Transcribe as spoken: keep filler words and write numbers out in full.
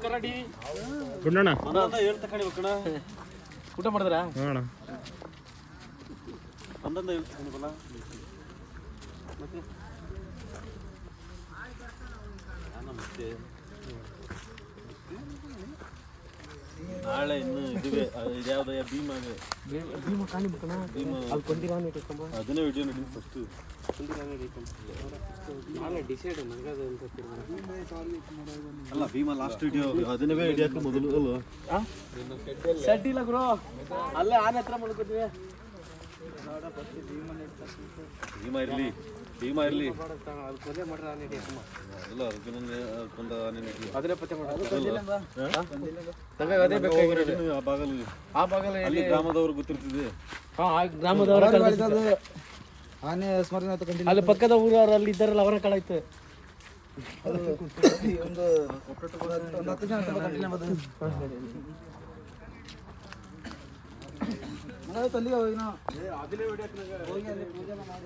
ಗುಂಡಣ್ಣ ಹೇಳ್ತ ಕಣಿಬೇಕಣ ಊಟ ಮಾಡಿದ್ರಾ? ನೋಡೋಣ ಒಂದೊಂದು ಹೇಳ್ತ ಕಣಿಬಲ್ಲ ಮತ್ತೆ ಮತ್ತೆ ನಾಳೆ ಇನ್ನು ಇದುವೆ ಇದ್ಯಾವ್ದಯ್ಯ ಭೀಮಾಗೆ ಭೀಮ ಕಾಣಿಬೇಕಣ ಭೀಮ ಅಲ್ಲಿ ಕೊಂದಿರಾನ ಇಟ್ಕೊಂಬ ಅದನ್ನೇ ವಿಡಿಯೋ ನೋಡಿ ಫಸ್ಟ್ ನಾಳೆ ಡಿಸೈಡ್ ನನಗದು ಅಲ್ಲ ಭೀಮಾ ಲಾಸ್ಟ್ ವಿಡಿಯೋ ಅದನ್ನೇ ಹಿಡಿಯಕ್ಕೆ ಮೊದಲು ಅಲ್ವ ಸೆಟ್ ಇಲ್ಲ ಗುರು ಅಲ್ಲೇ ಆನೆ ಹತ್ರ ಮಲ್ಕೋತೀವಿ ಭೀಮಾ ಇರಲಿ ಭೀಮಾ ಇರಲಿ ಅದು ಕೊಲೆ ಮಾಡ್ರೆ ಆನೆ ಹಿಡಿಯಕ್ಕಮ್ಮ ಅಲ್ಲ ಅರ್ಜುನನ್ನೇ ಕೊಂದ ಆನೆ ಅದನ್ನೇ ಪತ್ತೆ ಮಾಡೋದು ಅದೇ ಬೇಕಾಗಿರೋದು ಆ ಭಾಗಲ್ಲಿ ಆ ಭಾಗದಲ್ಲಿ ಅಲ್ಲಿ ಗ್ರಾಮದವ್ರು ಗೊತ್ತಿರ್ತದೆ ಹಾಂ ಆ ಗ್ರಾಮದವರ ಆನೆ ಸ್ಮರಣೆ ಅಲ್ಲಿ ಪಕ್ಕದ ಊರವ್ರು ಅಲ್ಲಿ ಇದ್ದಾರಲ್ಲ ಅವರ ಕಳಾಯ್ತು ಒಂದು ಒಂದು ಹತ್ತು ಜನ ಕಂಟಿನ್ಯೂ ಬಂದು ತಲ್ಲಿಗೆ ಹೋಗಿ ನಾವು